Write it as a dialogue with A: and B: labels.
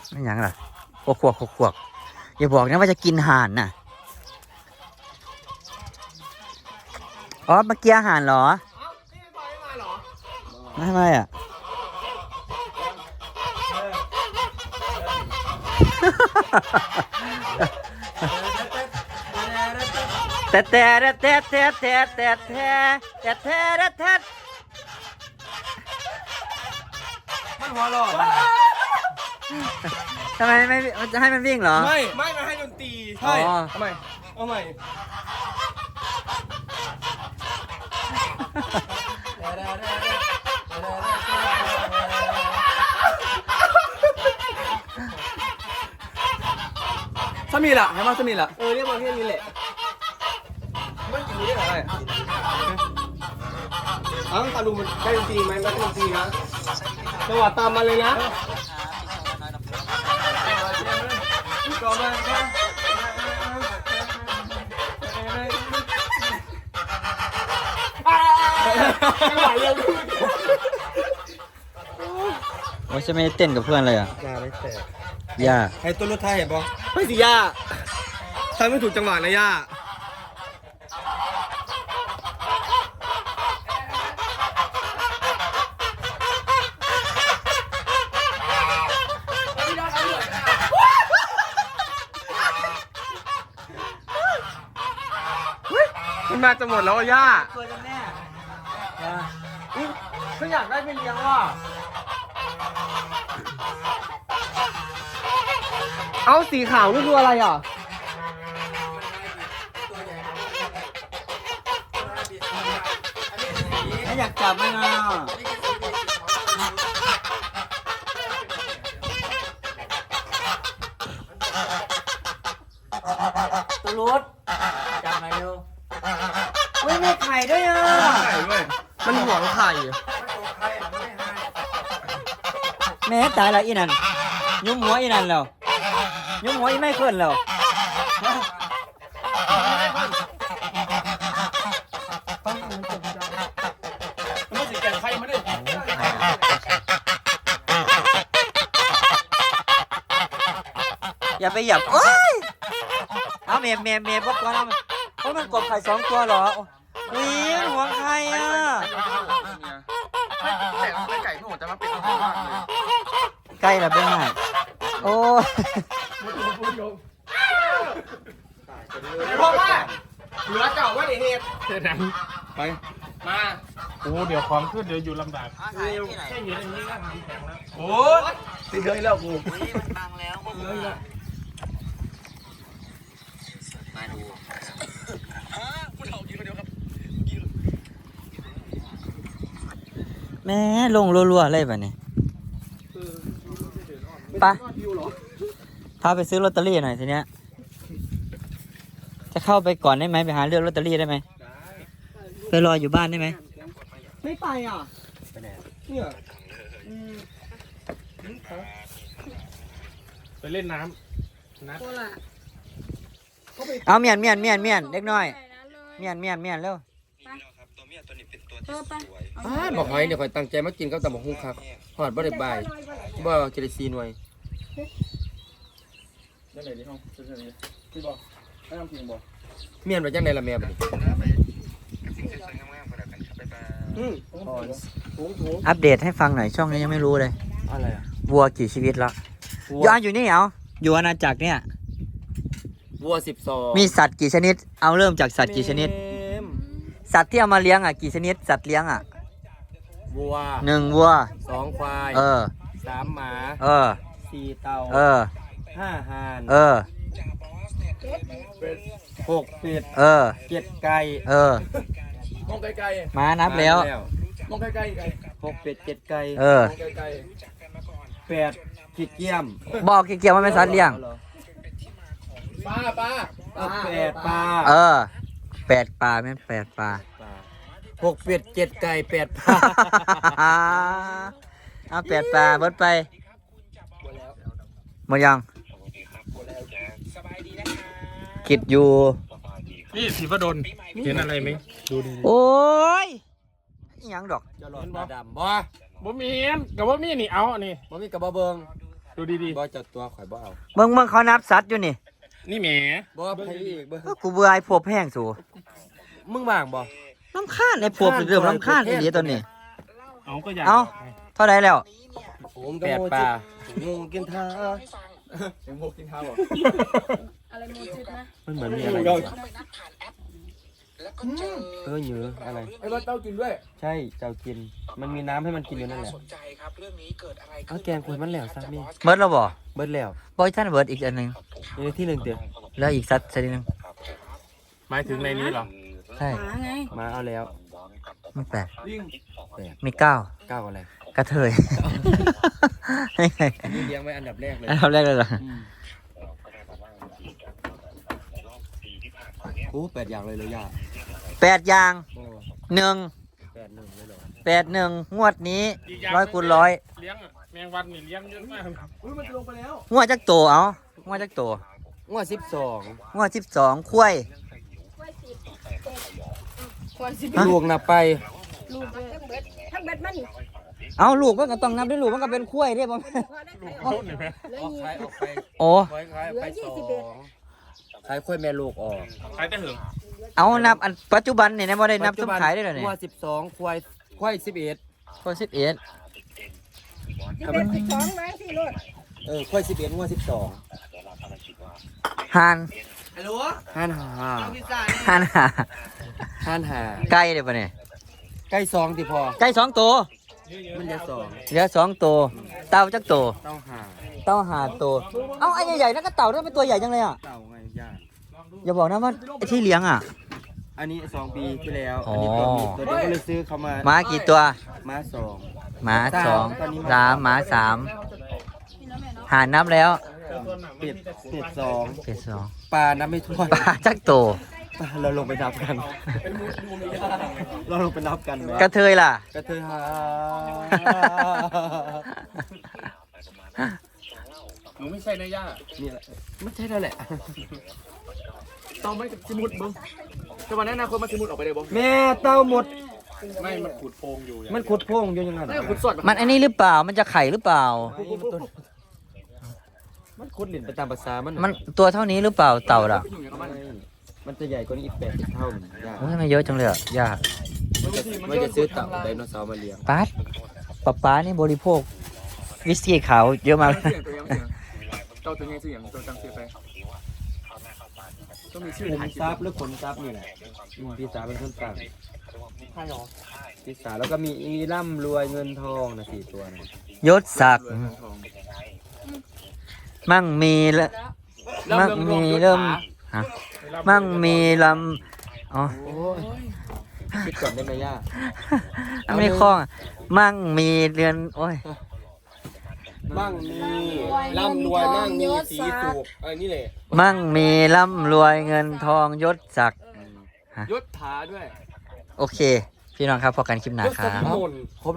A: ไม่ยังหรอขวกอย่าบอกนะว่าจะกินห่านน่ะอ๋อเมื่อกี้ห่านเหรอไม่ทำไมอ่ะแต่
B: มันหัวหล่อ
A: ทำไมไม่จะให้มันวิ่งเหรอ
B: ไม่มาให้ดนตรีใช่ทำไมเอาใหม่สมีละให้มาสมีละเรียกมาแค่นี้แหละมันอยู่นี่เหรอตาลุงมันได้ดนตรีไหมได้ดนตรีนะจังหวะตามมาเลยนะก็มา
A: โอ้ยจะไม่เต้นกับเพื่อนเลยอ่ะ
B: ยาไม่แตก
A: ย่า
B: ให้ตัวรถไทยเห็นปะไม่สิย่าทำไม่ถูกจังหวะนะย่ามันมาจะหมดแล้วย่า
A: ตัวจะแม่
B: ฉันอยากได้ไปเลี้ยงว่ะเอาสีขาวนี่คืออะไรอ่ะ
A: ไม่อยากจับไหมนะตัวรถจับหน่อยเร็วไม่มีไข่ด้วยอ่ะ
B: ไข่ด้วยมันหวงไข่
A: แม่ตายแล้วอีนั่นยุ้มหัวอีนั่นแล้วยุ้มหัวอีไม่ขึ้นแล้ว
B: มันสิแก่ไข่มาดิ
A: อย่าไปหยับโอ้ยเอาเมย์พวกตัวนั้นเพราะมันกบไข่2 ตัวเหรออุ้ยหัวไข่อ่ะ
B: แต่ไก่หนูจะมาเป็นข้าวมากเลย
A: ใกล้แล้วเบ้ไงโอ้
B: เพราะว่าเหลือเก่าว่าเด็กเสร็จแล้วไปมา
C: โอ้เดี๋ยวความขึ้นเดี๋ยวอยู่ลำบาก
B: แค่อยู่อย่างนี้ก็ทำแข็งแล้วโอ้ติดเลยแล้วกู
A: บังแล้วมาดูแม่ลงรัวๆเลยแบบนี้ไปพาไปซื้อลอตเตอรี่หน่อยทีเนี้ยจะเข้าไปก่อนได้ไหมไปหาเลือกลอตเตอรี่ได้ไหมไปรออยู่บ้านได้ไหม
B: ไม่ไปอ่ะไปไหนเนี่ย
C: ไปเล่นน้ำนะ
A: เอาเมียนเล็กน้อยเมียนเร็ว
B: บอกให้เดี๋ยวคอยตั้งใจมากินกับตำบักหุ่งครับหอดบ่ได้บ่ายบ่เจริซีหน่วยได้เลยดิห้องเฉยๆพี่บอกให้ทำจริงบอกเมียนไปจังได๋ล่ะแม่บัดนี้
A: อัปเดตให้ฟังหน่อยช่องนี้ยังไม่รู้เลย
B: อะไรอ่ะ
A: วัวกี่ชีวิตแล้วย้อนอยู่นี่เอาอยู่อาณาจักรเนี่ย
B: วัว12
A: มีสัตว์กี่ชนิดเอาเริ่มจากสัตว์กี่ชนิดสัตว์ที่เอามาเลี้ยงอ่ะกี่ชนิดสัตว์เลี้ยงอ่ะ
B: วัว
A: 1วัว
B: 2ควาย3หมา4เต่า5ห่าน6เป็ด7ไก่มองไกล
A: ๆมานับแล้ว
B: มองไกลๆ6เป็ด7ไก่8ขี้เกียม
A: บอกขี้เกียจมันเป็นสัตว์เลี้ยง
B: ปลา8ปลา
A: 8ปลาแม่น8ปลา
B: 6เป็ด7ไก่8ปลา
A: เอา8ปลาเบิดไปหมดยังคิดอยู่
C: นี่สีฟ้าดนเห็นอะไรไหมดูดิ
A: โอ้ยยังดอก
B: จะหลอนดำบ่
C: มีนกับว่ามีนี่เอาอันนี้
B: บ่มีกับบ่เบิง
A: เ
C: ดูดี
B: บ่จัดตัวข่อยบ่เอา
A: เบิ่งเขานับสัตว์อยู่นี่
C: ๆนี่แหม
B: บ่ใครอีกบ่
A: กูเบื่อไอ้พวกแห้งสู
B: มึงว่างบ่
A: น้ำข้านไอ้พวกเริ่มน้ำข้านไอ้เดียตัวนี้
C: เอาก็อยาก
A: เอ้า เท่าไรแล้ว
B: ผมแปดปลางูกินท้างูกินท้าบ่
D: อะไรโมจิตนะ
B: มันเหมือนมีอะไรเหยืออะไรไอ้ว่าเต้ากินด้วยใช่เจ้ากินมันมีน้ำให้มันกินอยู่นั่นแหละเอาแกงคุยมันแล้วซักนี่
A: เบิร์ดแล้วบ่
B: เบิดแล้ว
A: บอยท่านเบิร์ดอีกอันหนึ่ง
B: อยู่ในที่หนึ่งเดียว
A: แล้วอีกสัตว์ชนิดหนึง
C: หมายถึงในนี้เหรอ
A: ใช่
D: หมาไง
B: มาเอาแล้ว
A: มันแปด
B: แปด
A: มีเก้า
B: เก้าอะไร
A: กระเทย
B: อันนี้เลี้ยงไว้อันดับแรกเลย
A: อันดับแรกเลยเหรอ
B: โอ้8อย่างเลยเลยย่า
A: 8 อย่าง
B: โอ้
A: 1
B: 8-1เลยเหรอ
A: 8 1งวดนี้
C: อีกอย่าง
A: 100 คูณ 100
C: เลี้ยงอะแมงวันนี่เลี้ยงเยอะมาก
B: มันจะลงไปแล้ว
A: งวดจักโตเอางวดจักโต
B: งวด12
A: งวด12คุ้ย
D: ควรสิ
A: ฮะ
B: ลูกนับไป
D: ลูกทั้งเบ็ดมัน
A: เอาลูกมันก็ต้องนับด้วยลูกมันก็เป็นคุ้ยได้บ่แม่น
D: พอได้
C: ลูกเขาเนี่ยไหม
D: เหลือ
B: ออก
D: ยี่
B: ขายออกไป
A: โอ้
B: ขายไป2ขายค่อยแม่ลูกออก
C: ขายแต่เหิง
A: เอานับอันปัจจุบันนี่นะบ่ได้นับสมขายได้เลย
B: ง
A: นี่
B: วด12ควาย11
A: คน11
D: สิบเอ็ด12ไว้สิโลด
B: ควาย11งวด12
A: ห่าน
B: ห้านหา
A: ห่านหา
B: ห้านหา
A: ไก่ได้ป่ะเนี่ย
B: ใกล้2ที่พอ
A: ไก่2 ตัว
B: มันเหลือ2
A: เหลือ2 ตัวเต่าจักตัว
B: เต้าหา
A: เต่าหาตัวเอ้าไอ้ใหญ่ๆนั่นก็เต่าด้วยเป็นตัวใหญ่จังเลยอ่ะ
B: เต่าไงย่า
A: อย่าบอกนะว่าไอ้ที่เลี้ยงอ่ะ
B: อันนี้2 ปีที่แล้ว
A: อ๋ออั
B: อันนี้ตัวมีตัวเดียวก็เลยซื้อเขามา
A: หมากี่ตัว
B: ม้า2
A: หมา
B: สาม
A: 2 3หมา3หารนับแล้ว
B: เป็ด2
A: เป็น2
B: ปลานับไม่ถ้วน
A: ปลาจักโตว
B: ปลาเราลงไปนับกัน เราลงไปนับกันไหม
A: กระเทยล่ะ
B: กระเทยหา
C: หนูไม่ใช่นะย่า
B: นี่แหละไม่ใช่แล้วแหละ
C: ต้องไม่สิมุดมึงแต่วันนั้นอนาคตมาสิมุดออกไปได้บ่
B: แม่เต้าหมด
C: ไม่มันขุดโพรงอยู่อย่าง
B: มันขุดโพรงอยู่ยังไง
C: ขุดสด
A: มันไอ้นี่หรือเปล่ามันจะไข่หรือเปล่า
B: มันขุดหลินไปตามภาษามัน
A: มันตัวเท่านี้หรือเปล่าเต่าล่ะ
B: มันจะใหญ่กว่านี้อีก80 เท่าหนึ่งยาก
A: โอ้ยทำไมเยอะจังเลยอ่ะยาก
B: มันจะซื้อเต่าไดโนเสาร์มาเลี้ยง
A: ป๊าดป๊านี่บริโภควิสกี้ขาวเยอะมากเลย
C: เจ้าตัวนี้ชื่ออย่างตัวจังซื้อไปต้องมีชื่อ
B: ขนซับหรือขนซับนี่แหละพี่สาวเป็นคนต่าง
C: ใช่หรอ
B: พี่สาวแล้วก็มีอีร่ำรวยเงินทองนะ4 ตัวนะ
A: ยศศักดิ์มั่งมีละมั่งมีเริ่มฮะมั่งมีลำอ๋อ
B: โอ้ยคิดก่อนได้ไหมย่า
A: อันไม่คล้องอะมั่งมีเรือนโอ้ย
B: มั่งมีร่ำรวยมั่งมีสีสูบนี่แหละ
A: มั่งมีร่ำรวยเงินทองยศศักดิ์
C: ยศถาด้วย
A: โอเค พี่น้องครับพอกันคลิปหน้าครับ
B: ครบ